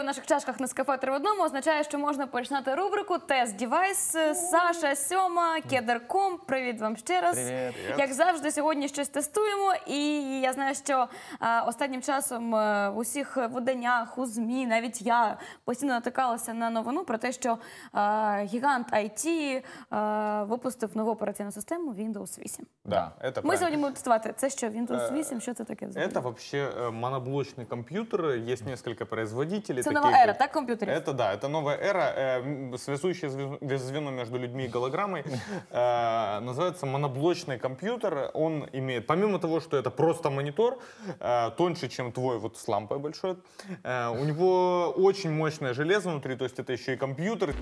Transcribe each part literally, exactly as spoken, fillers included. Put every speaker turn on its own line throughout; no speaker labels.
в наших чашках Нескафе три в одному означає, що можна починати рубрику «Тест Девайс». Саша, Сьома, Кедр.ком. Привіт вам ще раз.
Привіт.
Як завжди, сьогодні щось тестуємо. І я знаю, що а, останнім часом а, в усіх виданнях, у ЗМІ, навіть я постійно натикалася на новину про те, що а, гігант ай ті а, випустив нову операційну систему Windows вісім.
Да, это
Ми сьогодні будемо тестувати. Це що, Windows вісім? Що це таке взагалі?
Это вообще моноблочный компьютер, есть несколько производителей.
Это
таких,
новая эра, так, компьютеров?
Это, да, это новая эра, э, связующее звено между людьми и голограммой. Э, называется моноблочный компьютер. Он имеет, помимо того, что это просто монитор, э, тоньше, чем твой вот с лампой большой, э, у него очень мощное железо внутри, то есть это еще и компьютер.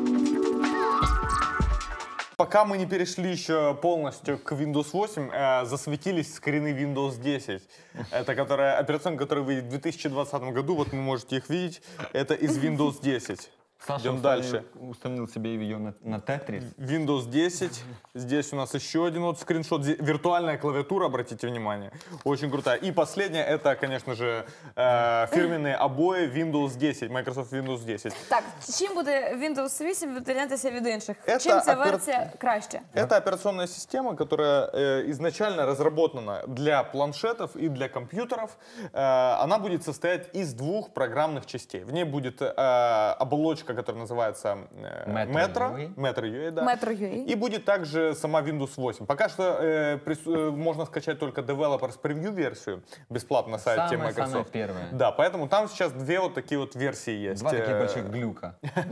Пока мы не перешли еще полностью к Windows восемь, э, засветились скрины Windows десять. Это которая, операционка, которая выйдет в две тысячи двадцатом году, вот вы можете их видеть. Это из Windows десять.
Саша
Идем дальше.
установил себе ее на, на Тетрис.
Windows десять. Здесь у нас еще один вот скриншот. Виртуальная клавиатура, обратите внимание. Очень крутая. И последнее, это, конечно же, э, фирменные обои Windows десять, Microsoft Windows десять.
Так, чим буде Windows вісім відрізнятися від інших?
Это
Чим ця
опер-
версія краще?
Это операционная система, которая э, изначально разработана для планшетов и для компьютеров. Э, она будет состоять из двух программных частей. В ней будет э, оболочка, которая называется э, Metro, Metro ю эй, да.
Metro ю эй.
И будет также сама Windows восемь. Пока что э, прис- э, можно скачать только Developers Preview версию бесплатно на сайте
Самая,
Microsoft.
самая первая.
Да, поэтому там сейчас две вот такие вот версии есть.
Два таких
Э,
больших глюка.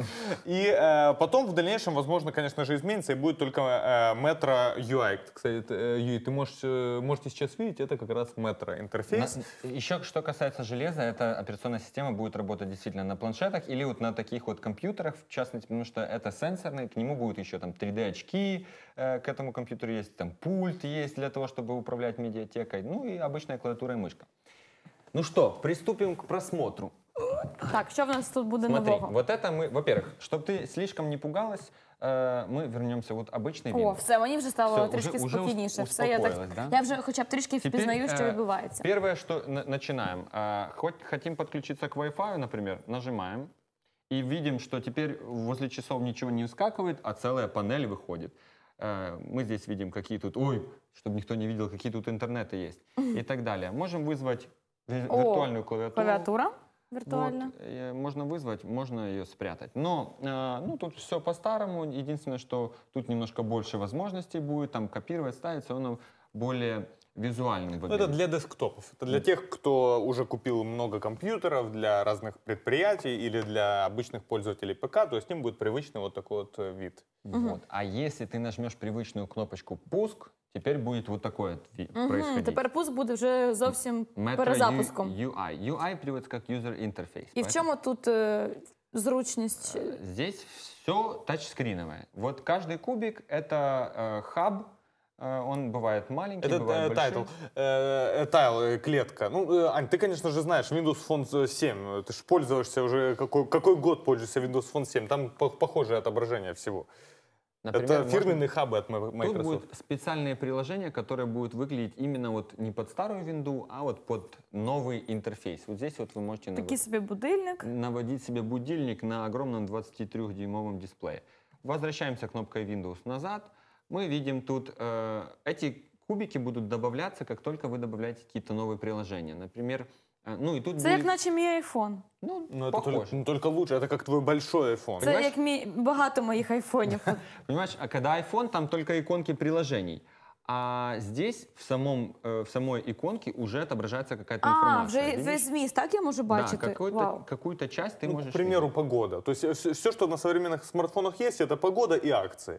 И э, потом в дальнейшем, возможно, конечно же, изменится и будет только э, Metro ю ай. Кстати, э, Юрий, ты можешь, э, можете сейчас видеть, это как раз Metro интерфейс.
На- еще что касается железа, эта операционная система будет работать действительно на планшетах или вот на таких вот компьютерах, в частности, потому что это сенсорный, к нему будут еще там три дэ очки, э, к этому компьютеру есть там пульт есть для того, чтобы управлять медиатекой, ну и обычная клавиатура и мышка. Ну что, приступим к просмотру.
Так, що в нас тут буде
Смотри,
нового?
вот это мы, во-первых, чтобы ты слишком не пугалась, э, мы вернемся вот обычный
О,
Windows.
все, мені вже стало
Все,
трішки
уже- уже
спокійніше.
ус-
Все, я, так,
успокоїлась, да?
я вже хоча б трішки
Теперь,
впізнаю, що
э,
відбувається.
Первое, что на- начинаем. А, хоть хотим подключиться к Wi-Fi, например, нажимаем и видим, что теперь возле часов ничего не выскакивает, а целая панель выходит. Э, Мы здесь видим, какие тут, ой, чтобы никто не видел, какие тут интернеты есть и так далее. Можем вызвать ви-
О,
виртуальную клавиатуру.
Клавіатура віртуальна.
Вот, э, можно вызвать, можно ее спрятать. Но э, ну, тут все по-старому. Единственное, что тут немножко больше возможностей будет. Там копировать, ставить, все равно более визуальный
Ну,
выглядит.
это для десктопов. Это для тех, кто уже купил много компьютеров для разных предприятий или для обычных пользователей ПК, то есть им будет привычный вот такой вот э, вид.
Вот. А если ты нажмешь привычную кнопочку «Пуск», теперь будет вот такое вот ви-
Мгм,
происходить.
Тепер пуск буде вже зовсім
Metro
перезапуском.
ю ай. ю ай переводится как User Interface.
І в
Поэтому,
чому тут е, зручність?
э, Здесь все тачскриновое. Вот каждый кубик — это э, хаб. Э, он бывает маленький,
Это
бывает
э,
большой.
тайтл, э, э, тайл, э, клетка. Ну, э, Ань, ты, конечно же, знаешь Windows Phone семь. Ты же пользуешься уже, какой, какой год пользуешься Windows Phone семь. Там по- похожее отображение всего.
Например,
Это
можно-
фирменные хабы от М-
Тут
Microsoft.
будут специальные приложения, которые будут выглядеть именно вот не под старую винду, а вот под новый интерфейс. Вот здесь вот вы можете нав-
Такий собі будильник.
наводить себе будильник на огромном двадцатитрёхдюймовом дисплее. Возвращаемся кнопкой Windows назад. Мы видим тут, э, эти кубики будут добавляться, как только вы добавляете какие-то новые приложения. Например, э, ну и тут
Це як
будет,
наче мій айфон.
ну,
Но это
похож.
только, ну, только лучше. Это как твой большой iPhone.
Це
Понимаешь?
як мій багато моїх айфонів.
Понимаешь, а когда iPhone, там только иконки приложений. А здесь в, самом, э, в самой иконке уже отображается какая-то
А,
информация.
вже
видишь?
весь зміст, так я можу
Да,
бачити?
какую-то,
Вау.
какую-то часть ты
Ну,
можешь
к примеру,
видеть.
погода. То есть все, все, что на современных смартфонах есть, это погода и акции.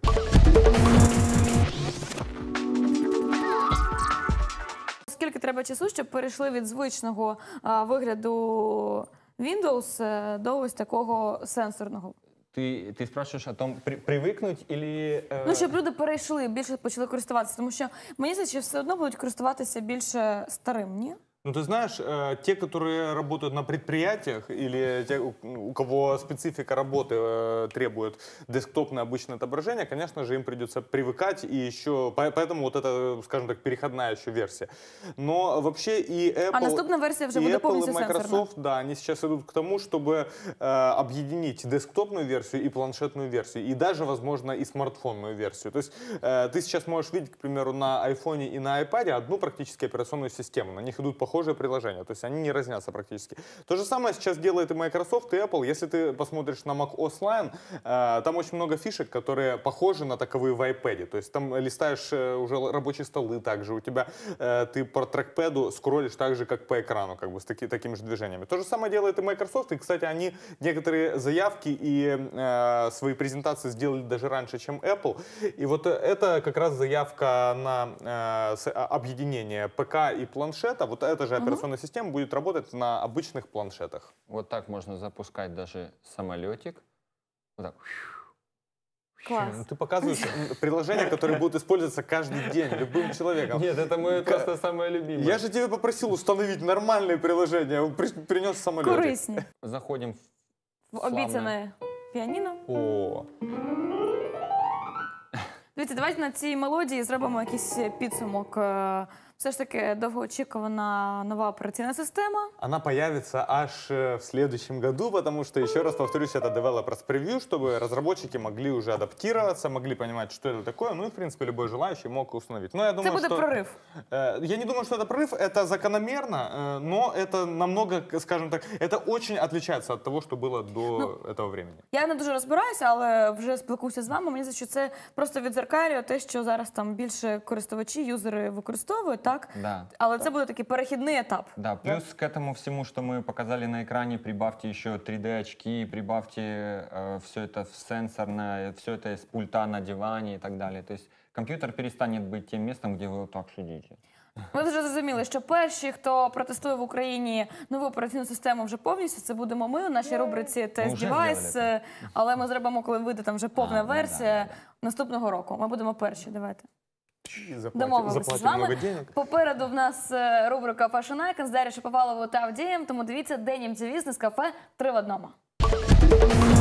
Скільки треба часу, щоб перейшли від звичного а, вигляду Windows е, до ось такого сенсорного?
Ты, ты спрашиваешь о том, при, привыкнуть или... э,
Ну, щоб люди перейшли, більше почали користуватися. Тому що мені здається, що все одно будуть користуватися більше старим, ні?
Ну, ты знаешь, э, те, которые работают на предприятиях или те, у, у кого специфика работы э, требует десктопное обычное отображение, конечно же, им придется привыкать, и еще, поэтому вот это, скажем так, переходная еще версия. Но вообще и Apple,
А наступная версия уже
и
будет
Apple,
полностью
и Microsoft,
сенсорна.
да, они сейчас идут к тому, чтобы э, объединить десктопную версию и планшетную версию, и даже, возможно, и смартфонную версию. То есть э, ты сейчас можешь видеть, к примеру, на айфоне и на iPad одну практически операционную систему, на них идут похожие приложения, то есть они не разнятся практически. То же самое сейчас делает и Microsoft, и Apple. Если ты посмотришь на macOS Lion, э, там очень много фишек, которые похожи на таковые в iPad. То есть там листаешь э, уже рабочие столы также, у тебя э, ты по трекпэду скроллишь так же, как по экрану, как бы с таки, такими же движениями. То же самое делает и Microsoft, и, кстати, они некоторые заявки и э, свои презентации сделали даже раньше, чем Apple. И вот это как раз заявка на э, с- а- объединение ПК и планшета. Вот эта же операционная система будет работать на обычных планшетах.
Вот так можно запускать даже самолетик. Вот так.
Клас.
Ну, ты показываешь м, приложения, которые будут использоваться каждый день любым человеком.
Нет, это мое
Ка-
просто самое любимое.
Я же тебе попросил установить нормальные приложения, он при- принес самолетик.
Корисні.
Заходим в
В
славное-
обіцяне піаніно.
О,
Дивіться, давайте на цій мелодії зробимо якийсь підсумок. Е, Все ж таки довгоочікувана нова операційна система.
она появится аж э, в следующем году, потому что, еще раз повторюсь, это developers preview, чтобы разработчики могли уже адаптироваться, могли понимать, что это такое, ну и, в принципе, любой желающий мог установить. Но я
Це
думаю,
буде
что...
прорив.
Э, Я не думаю, что это прорыв, это закономерно, э, но это намного, скажем так, это очень отличается от того, что было до
Ну,
этого времени.
Я не дуже розбираюся, але вже спілкуюся з вами. Мені здається, що це просто відзеркалює те, що зараз там більше користувачі, юзери використовують, так?
Да.
Але це буде такий перехідний етап.
Да, плюс к этому всему, что мы показали на экране, прибавьте еще три дэ очки, прибавьте э, все это в сенсорное, все это из пульта на диване и так далее. То есть компьютер перестанет быть тем местом, где вы вот так сидите.
Ми вже зрозуміли, що перші, хто протестує в Україні нову операційну систему вже повністю, це будемо ми у нашій рубриці тест
вже
девайс.
зробили
Але ми зробимо, коли вийде там вже повна
А, ну да,
версія
да, да.
наступного року. Ми будемо перші. Давайте.
И заплатим,
Домовилися з
заплатим много
вами.
денег.
Попереду в нас е, рубрика Fashion Icon з Дар'єю Шаповаловою та Авдієм. Тому дивіться Денім Дівіз з кафе «Три в одному».